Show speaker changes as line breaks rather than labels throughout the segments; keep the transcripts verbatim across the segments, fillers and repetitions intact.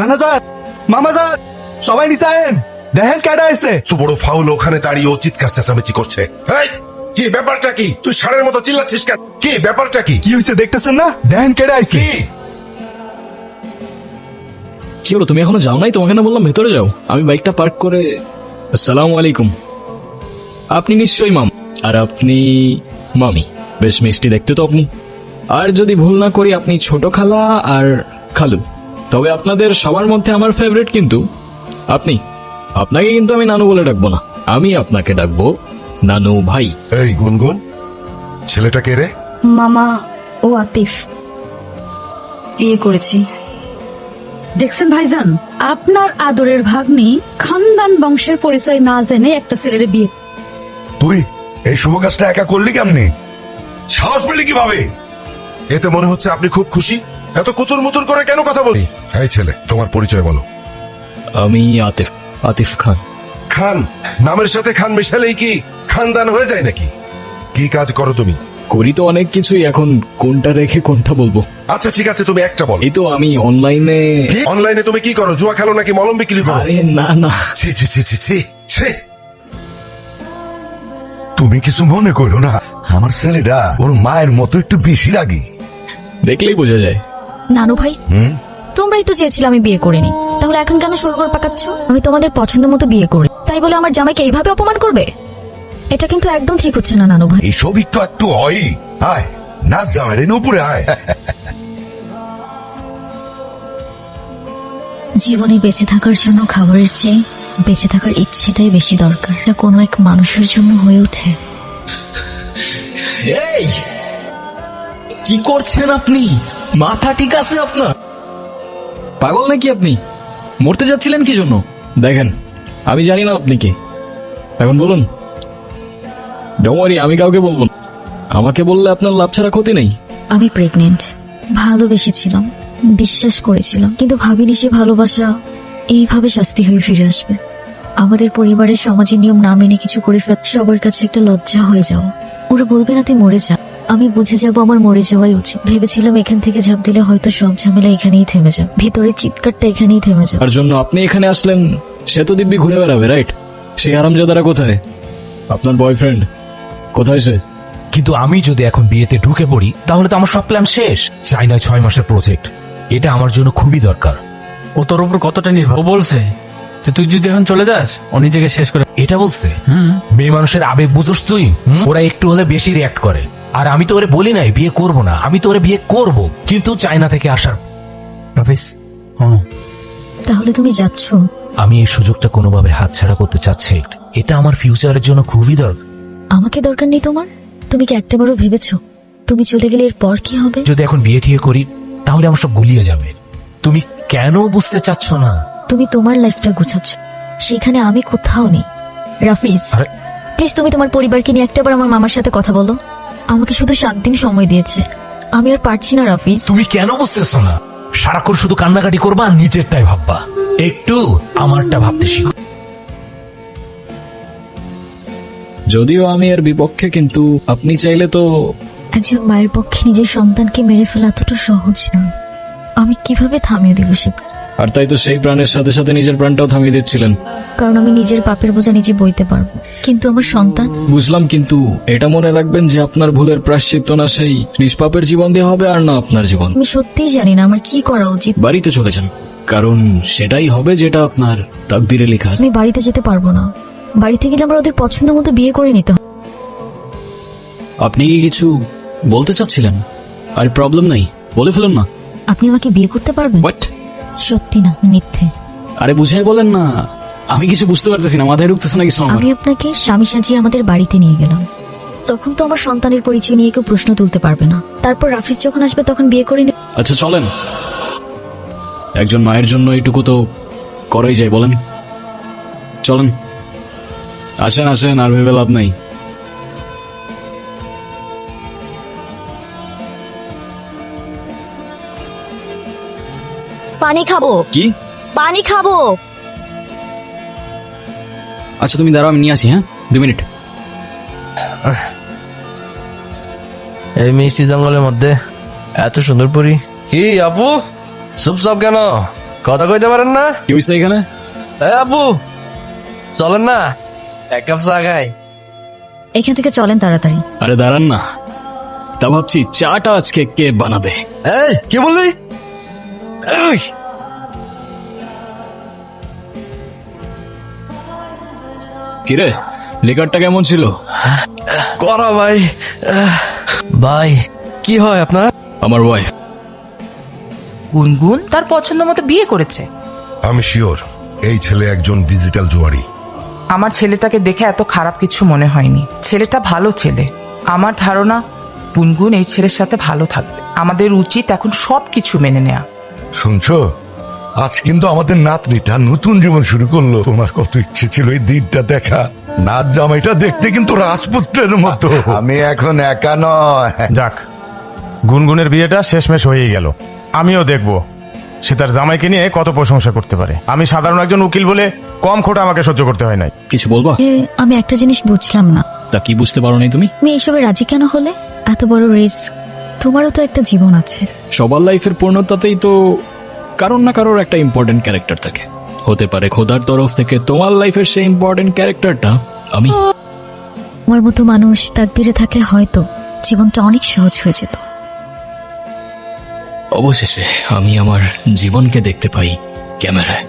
নানাজান, মামাজান, সবাই নিচে আয়েন, দেখেন কেডা এসে।
তো বড় ফাউল ওখানে দাঁড়িয়ে ও চিৎকার চেঁচামেচি করছে। এই, কি ব্যাপারটা কি? তুই ষাঁড়ের মতো চিল্লাচ্ছিস কেন? কি ব্যাপারটা কি?
কি হয়েছে দেখতেছেন না? দেখেন কেডা আইছে।
কি
কি হলো, তুমি এখনো যাও নাই? তোমাকে না বললাম ভেতরে যাও। আমি বাইকটা পার্ক করে। আসসালামু আলাইকুম। আপনি নিশ্চয়ই মাম, আর আপনি মামি। বেশ মিষ্টি দেখতে তো আপনি। আর যদি ভুল না করি আপনি ছোট খালা আর খালু। তবে আপনাদের সবার মধ্যে আমার ফেভারিট কিন্তু আপনি। আপনাকে কিন্তু আমি নানু বলে ডাকবো না, আমি আপনাকে ডাকবো নানু ভাই।
এই গুনগুন, ছেলেটা কে রে?
মামা ও আতিফ, বিয়ে করেছি। দেখছেন ভাইজান, আপনার আদরের ভাগ্নি খানদান বংশের পরিচয় না জেনে একটা ছেলের বিয়ে।
তুই এই শুভ কাজটা একা করলি কেমনে? সাহস পেলি কিভাবে?
এতে মনে হচ্ছে আপনি খুব খুশি। এত কুতুর মুতুর করে কেন কথা বলি? এই ছেলে, তোমার পরিচয় বলো।
আমি আতিফ, আতিফ খান।
খান নামের সাথে খান মিশালেই কি খানদান হয়ে যায় নাকি? কি কাজ করো তুমি?
করি তো অনেক কিছুই, এখন কোনটা রেখে কোনটা বলবো?
আচ্ছা ঠিক আছে, তুমি একটা বলো।
এই তো আমি অনলাইনে।
অনলাইনে তুমি কি করো? জুয়া খেলো নাকি মলম বিক্রি করো?
আরে না না,
ছি ছি ছি ছি ছি ছি।
তুমি কিছু মনে করো না, আমার ছেলেটা ওর মায়ের মতো একটু বেশি রাগি।
দেখলেই বোঝা যায়।
নানু ভাই, তোমরাই তো চেয়েছিলে আমি বিয়ে করিনি, তাহলে এখন কেন সরগর পাকাচ্ছ? আমি তোমাদের পছন্দ মতো বিয়ে করি, তাই বলে আমার জামাইকে এইভাবে অপমান করবে? এটা কিন্তু একদম ঠিক হচ্ছে না নানু ভাই।
এইসব একটু একটু হয়। আয় নাচ জামাই রে, উপরে আয়।
জীবনে বেঁচে থাকার জন্য খাবারের চেয়ে বেঁচে থাকার ইচ্ছেটাই বেশি দরকার। এটা কোনো এক মানুষের জন্য হয়ে ওঠে।
এই কি করছেন আপনি? মাথা ঠিক আছে আপনার? পাগল নাকি আপনি? মরতে যাচ্ছিলেন কি জন্য? দেখেন, আমি জানি না আপনি কে। এখন বলুন। ডোমারি, আমি কাউকে বলবো না। আমাকে বললে আপনার লাভ ছাড়া ক্ষতি নেই।
আমি প্রেগনেন্ট। ভালোবেসেছিলাম, বিশ্বাস করেছিলাম, কিন্তু ভাবিনি সে ভালোবাসা এইভাবে শাস্তি হয়ে ফিরে আসবে। আমাদের পরিবারের সমাজের নিয়ম না মেনে কিছু করে ফেল সবার কাছে একটা লজ্জা হয়ে যাও। ওরা বলবে না তুই মরে যা, আমি বুঝে যাব আমার মরে যাওয়াই উচিত। ভেবেছিলাম এখান থেকে ঝাঁপ দিলে হয়তো সব ঝামেলা এখানেই থেমে যাবে, ভিতরের চিৎকারটা এখানেই থেমে যাবে।
তার জন্য আপনি এখানে আসলেন, সে তো দিব্যি ঘুরে বেড়াবে, রাইট? সেই আরামজাদারা কোথায়? আপনার বয়ফ্রেন্ড কোথায় সে?
কিন্তু আমি যদি এখন বিয়েতে ঢুকে পড়ি তাহলে তো আমার সব প্ল্যান শেষ। চাই না ছয় মাসের প্রজেক্ট, এটা আমার জন্য খুবই দরকার।
ও তোর উপর কতটা নির্ভর। ও বলছে যে তুই যদি এখন চলে যাস ও নিজেকে শেষ করে।
এটা বলছে? মেয়ে মানুষের আবেগ বুঝোস তুই? হুম? ওরা একটু হলে বেশি রিয়াক্ট করে। আর আমি তো ওরে বলি নাই বিয়ে করব না, আমি তো ওরে বিয়ে করব, কিন্তু চায়না থেকে আসার।
রাফিস, হুম,
তাহলে তুমি যাচ্ছ?
আমি এই সুযোগটা কোনোভাবে হাতছাড়া করতে চাচ্ছি। এটা আমার ফিউচারের জন্য খুবই দরকার।
আমাকে দরকার নেই তোমার? তুমি কি একটাবারও ভেবেছো তুমি চলে গেলে এরপর কি হবে?
যদি এখন বিয়ে ঠিয়ে করি তাহলে আমার সব গুলিয়ে যাবে। তুমি কেন বুঝতে চাচ্ছ না?
তুমি তোমার লাইফটা গুছাচ্ছ, সেখানে আমি কোথাও নেই। রাফিজ,
আরে
প্লিজ তুমি তোমার পরিবারকে নিয়ে একটাবার আমার মামার সাথে কথা বলো। আমাকে শুধু সাত দিন সময় দিয়েছে, আমি আর পারছি না। রাফিজ,
তুমি কেন বুঝতেছ না? সারাক্ষণ শুধু কান্নাকাটি করবা আর নিজেরটাই ভাববা। একটু আমারটা ভাবতে শিখো।
যদিও আমি এর বিপক্ষে, কিন্তু আপনি চাইলে তো।
একজন মায়ের পক্ষে নিজের সন্তানকে মেরে ফেলা এতটা সহজ না। আমি কিভাবে থামিয়ে দিব সে?
আর তাই তো সেই প্রাণের সাথে সাথে নিজের প্রাণটাও থামিয়ে দিচ্ছিলেন।
কারণ আমি নিজের পাপের বোঝা নিজে বইতে পারবো, কিন্তু আমার সন্তান।
বুঝলাম, কিন্তু এটা মনে রাখবেন যে আপনার ভুলের প্রায়শ্চিত্ত না সেই নিষ্পাপের জীবন দিয়ে হবে, আর না আপনার জীবন।
আমি সত্যিই জানি না আমার কি করা উচিত।
বাড়িতে চলে যান, কারণ সেটাই হবে যেটা আপনার তাকদিরে লেখা আছে।
আমি বাড়িতে যেতে পারবো না। বাড়িতে গেলে আমার ওদের পছন্দ মতো বিয়ে করে নিতে হবে।
আপনি কি কিছু বলতে চাচ্ছিলেন? আর প্রবলেম নাই, বলে ফেলুন না।
আপনি আমাকে বিয়ে করতে পারবেন?
হোয়াট?
সত্যি না মিথ্যে?
আরে বুঝাই বলেন না, আমি কিছু বুঝতে পারতেছি না, মাথায় ঢুকতেছে না কিছু আমার।
আমি আপনাকে স্বামী সাজিয়ে আমাদের বাড়িতে নিয়ে গেলাম, তখন তো আমার সন্তানের পরিচয় নিয়ে কেউ প্রশ্ন তুলতে পারবে না। তারপর রাফিজ যখন আসবে তখন বিয়ে করে নে।
আচ্ছা চলেন, একজন মায়ের জন্য এইটুকু তো করাই যায়, বলেন? চলেন, আসেন আসেন, আর ভেবে লাভ নাই।
পানি খাবো।
কি?
পানি খাবো।
আচ্ছা তুমি দাঁড়াও, আমি নিয়ে আসি। হ্যাঁ, দু মিনিট।
এই মিষ্টি জঙ্গলের মধ্যে এত সুন্দর পরি। কি আপু চুপচাপ কেন? কথা কইতে পারেন না?
কি হয়েছে এখানে?
এ আব্বু, চলেন না এক কাপ চা খাই।
এখান থেকে চলেন তাড়াতাড়ি।
আরে দাঁড়ান না, তা ভাবছি চাটা আজকে কে বানাবে।
এই কি বললি? এই,
কিরে, লিকারটা কেমন ছিল?
করা ভাই। আহ, ভাই কি হয় আপনার?
আমার ওয়াইফ।
গুনগুন তার পছন্দ মতো বিয়ে করেছে।
আমি শিওর এই ছেলে একজন ডিজিটাল জুয়ারি।
আমার ছেলেটাকে দেখে এত খারাপ কিছু মনে হয়নি। ছেলেটা ভালো ছেলে। আমার ধারণা গুনগুন এই ছেলের সাথে ভালো থাকবে। আমাদের উচিত এখন সব কিছু মেনে নেওয়া।
শুনছো, আজ কিন্তু আমাদের নাতনিটা নতুন জীবন শুরু করলো। তোমার কত ইচ্ছে ছিল এই দিনটা দেখা। নাচ জামাইটা দেখতে কিন্তু রাজপুত্রের মতো। আমি এখন একা নয়।
যাক, গুনগুনের বিয়েটা শেষমেশ হয়েই গেল। আমিও দেখব সে তার জামাইকে নিয়ে কত প্রশংসা করতে পারে। আমি সাধারণ একজন উকিল বলে কম খোটা আমাকে সহ্য করতে হয় নাই।
কিছু বলবা?
এ, আমি একটা জিনিস বুঝলাম না,
তা কি বুঝতে পারো নাই তুমি?
তুমি এইসবে রাজি কেন হলে? এত বড় রিস্ক, তোমারও তো একটা জীবন আছে।
সবার লাইফের পূর্ণতাতেই তো কারোর না কারোর একটা ইম্পর্টেন্ট ক্যারেক্টার থাকে। হতে পারে খোদার তরফ থেকে তোমার লাইফের সেই ইম্পর্টেন্ট ক্যারেক্টারটা আমি।
আমার মতো মানুষ তাকদিরে থাকলে হয়তো জীবনটা অনেক সহজ হয়ে যেত।
অবশেষে আমি আমার জীবনকে দেখতে পাই ক্যামেরায়।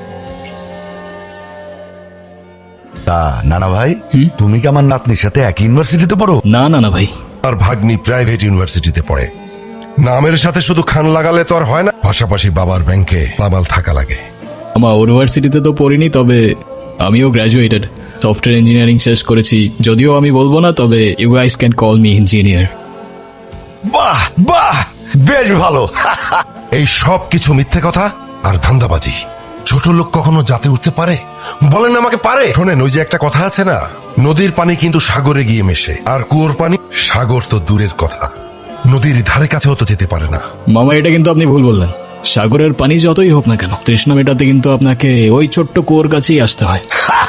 তা নানা ভাই,
হুম?
তুমি কি আমার নাতনির সাথে এক ইউনিভার্সিটিতে পড়ো?
না না না ভাই,
আর ভাগ্নি প্রাইভেট ইউনিভার্সিটিতে পড়ে। নামের সাথে শুধু খান লাগালে তো আর হয় না, পাশাপাশি বাবার ব্যাংকে তাবাল থাকা লাগে।
আমার ইউনিভার্সিটিতে তো পড়িনি, তবে আমিও গ্র্যাজুয়েটেড। সফটওয়্যার ইঞ্জিনিয়ারিং শেষ করেছি। যদিও আমি বলবো না, তবে you guys can call me engineer.
বাহ বাহ, বেশ ভালো।
এই সব কিছু মিথ্যে কথা আর ধান্দাবাজি। ছোট লোক কখনো জাতে উঠতে পারে? বলেন আমাকে পারে? শোনেন, ওই যে একটা কথা আছে না, নদীর পানি কিন্তু সাগরে গিয়ে মেশে, আর কুয়োর পানি সাগর তো দূরের কথা, নদীর ধারে কাছেও তো যেতে পারে না।
মামা, এটা কিন্তু আপনি ভুল বললেন। সাগরের পানি যতই হোক না কেন, তৃষ্ণা মেটাতে কিন্তু আপনাকে ওই ছোট্ট কুয়োর কাছেই আসতে হয়।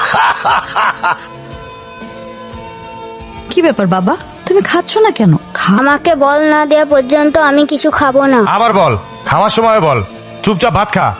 কি ব্যাপার বাবা, তুমি খাচ্ছ না কেন? খা।
আমাকে বল না দেওয়া পর্যন্ত আমি কিছু খাবো না।
আবার বল, খাওয়ার সময় বল, চুপচাপ ভাত খা।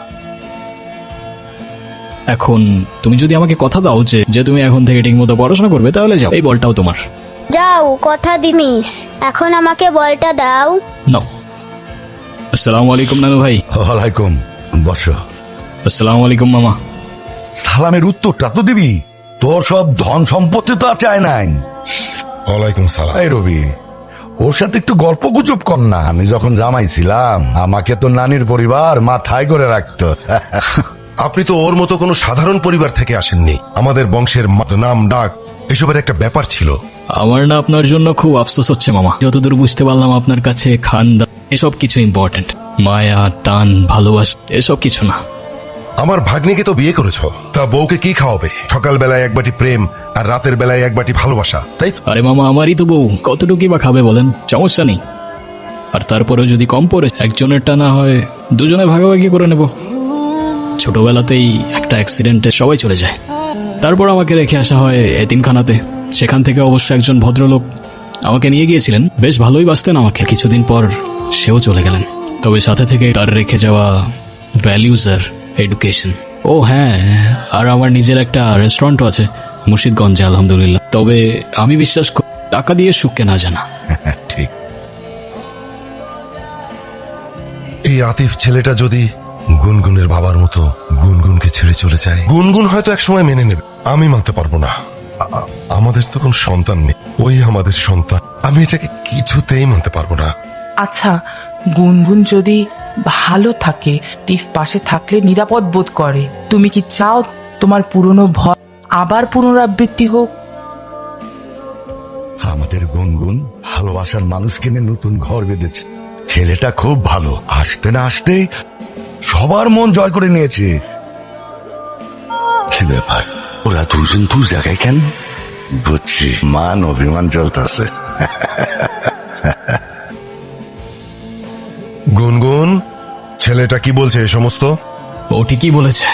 এখন তুমি যদি আমাকে কথা দাও যে যে তুমি এখন থেকে ঠিক মতো পড়াশোনা করবে, তাহলে যাও, এই বলটাও তোমার।
যাও, কথা দিমিস। এখন আমাকে বলটা দাও।
নাও। আসসালামু আলাইকুম নানু ভাই।
ওয়ালাইকুম, বসো।
আসসালামু আলাইকুম মামা।
সালামের উত্তরটা তো দিবি। তোর সব ধন সম্পত্তি তো আর চায় নাই।
ওয়ালাইকুম সালাম।
এই রবি, ওর সাথে একটু গল্প গুজব কর না। আমি যখন জামাই ছিলাম, আমাকে তো নানির পরিবার মাথায় করে রাখতো।
আপনি তো ওর মতো কোনো সাধারণ পরিবার থেকে আসেননি। আমাদের বংশের মা- নাম ডাক এসবের একটা ব্যাপার ছিল।
আমার না আপনার জন্য খুব আফসোস হচ্ছে মামা। যতদূর বুঝতে পারলাম আপনার কাছে খানদান এসব কিছু ইম্পর্টেন্ট। মায়া, টান, ভালোবাসা এসব কিছু না।
আমার ভাগ্নিকে তো বিয়ে করেছো, তা বউকে কি খাওয়াবে? সকাল বেলায় এক বাটি প্রেম আর রাতের বেলায় এক বাটি ভালোবাসা, তাই তো?
আরে মামা, আমারই তো বউ, কতটুকুই বা খাবে বলেন? সমস্যা নেই। আর তারপরেও যদি কম পড়ে, একজনেরটা না হয় দুজনে ভাগাভাগি করে নেব। ছোটবেলাতেই একটা অ্যাক্সিডেন্টে সবাই চলে যায়, তারপর আমাকে রেখে আসা হয় এতিমখানাতে। সেখান থেকে অবশ্য একজন ভদ্রলোক আমাকে নিয়ে গিয়েছিলেন, বেশ ভালোই বাসতেন আমাকে। কিছুদিন পর সেও চলে গেলেন, তবে সাথে থেকে তার রেখে যাওয়া ভ্যালিউজ আর এডুকেশন। ও হ্যাঁ, আর আমার নিজের একটা রেস্টুরেন্টও আছে মুর্শিদগঞ্জে, আলহামদুলিল্লাহ। তবে আমি বিশ্বাস করি, টাকা দিয়ে সুখ কেনা জানা।
ঠিক।
এই আতিফ ছেলেটা যদি গুনগুনের বাবার মতো গুনগুনকে ছেড়ে চলে যায়, গুনগুন হয়তো একসময় মেনে নেবে, আমি মানতে পারবো না। আ- আ- আমাদের তো কোনো সন্তান নেই, ওই আমাদের সন্তান। আমি এটাকে কিছুতেই মানতে পারবো না।
আচ্ছা, গুনগুন যদি ভালো থাকে, তীফ পাশে থাকলে নিরাপদ বোধ করে, তুমি কি চাও তোমার পুরনো ভয় আবার পুনরাবৃত্তি হোক?
আমাদের গুনগুন ভালোবাসার মানুষ কিনে নতুন ঘর বেঁধেছে। ছেলেটা খুব ভালো, আসতে না আসতে সবার মন জয় করে নিয়েছে। কি ব্যাপার, ওরা দুজন দু জায়গায় কেন? বুঝছি, মান অভিমান চলতেছে।
গুনগুন, ছেলেটা কি বলছে এ সমস্ত?
ও ঠিকই বলেছে।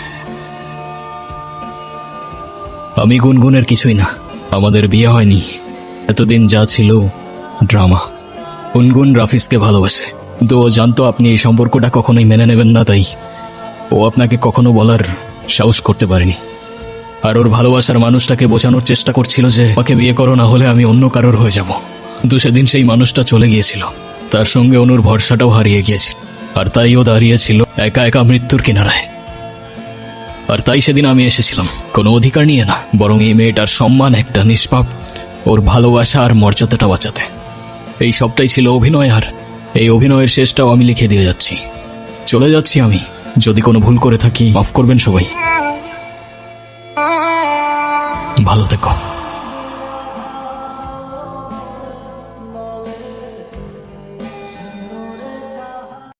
আমি গুনগুনের কিছুই না, আমাদের বিয়ে হয়নি। এতদিন যা ছিল ড্রামা। গুনগুন রাফিজকে ভালোবাসে, কিন্তু ও জানতো আপনি এই সম্পর্কটা কখনোই মেনে নেবেন না, তাই ও আপনাকে কখনো বলার সাহস করতে পারেনি। আর ওর ভালোবাসার মানুষটাকে বোঝানোর চেষ্টা করছিল যে আমাকে বিয়ে করো, না হলে আমি অন্য কারোর হয়ে যাব। কিন্তু সেদিন সেই মানুষটা চলে গিয়েছিল, তার সঙ্গে অনুর ভরসাটাও হারিয়ে গিয়েছিল। আর তাই ও দাঁড়িয়েছিল একা একা মৃত্যুর কিনারায়। আর তাই সেদিন আমি এসেছিলাম কোনো অধিকার নিয়ে না, বরং এই মেয়েটার সম্মান, একটা নিষ্পাপ ওর ভালোবাসা আর মর্যাদাটা বাঁচাতে। এই সবটাই ছিল অভিনয়, আর এই অভিনয়ের শেষটাও আমি লিখে দিয়ে যাচ্ছি। চলে যাচ্ছি আমি। যদি কোনো ভুল করে থাকি মাফ করবেন সবাই। ভালো থেকো।